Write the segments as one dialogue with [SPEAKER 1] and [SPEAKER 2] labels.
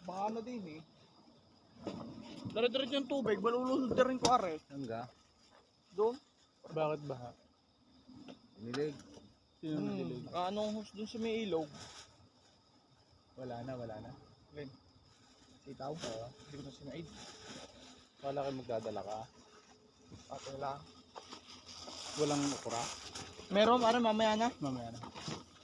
[SPEAKER 1] Paano din eh. Dire-diretso yung tubig, malulunod na rin ko are.
[SPEAKER 2] Hangga.
[SPEAKER 1] Doon.
[SPEAKER 3] Bakit baha?
[SPEAKER 2] Nilig.
[SPEAKER 3] Sino nagdilig?
[SPEAKER 1] Anong hose doon sa may ilog?
[SPEAKER 3] Wala na.
[SPEAKER 1] Len. Sitaw. Hindi ko na sinaid.
[SPEAKER 3] Wala kayo magdadala ka.
[SPEAKER 1] Ato lang.
[SPEAKER 3] Walang okra.
[SPEAKER 1] Meron, are mamaya na.
[SPEAKER 3] Mamaya na.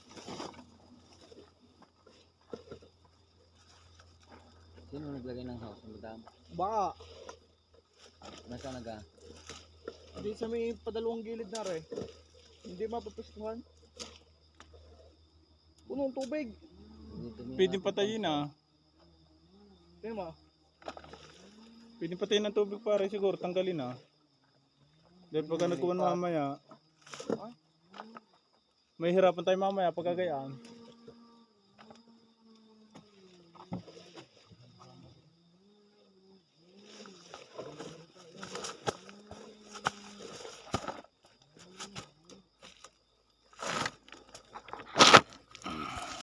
[SPEAKER 2] Sino naglagay ng house? Madam.
[SPEAKER 1] Baka.
[SPEAKER 2] Nasa naga?
[SPEAKER 1] Hindi sa may padalawang gilid na re. Hindi mapapustuhan. Punong tubig.
[SPEAKER 3] Pwedeng patayin ah.
[SPEAKER 1] Tingnan mo.
[SPEAKER 3] Pwedeng patayin ng tubig pare siguro. Tanggalin ah. Dahil pagka nagkuhan mamaya,
[SPEAKER 1] Ay.
[SPEAKER 3] may hirapan tayo mamaya pagkagayaan.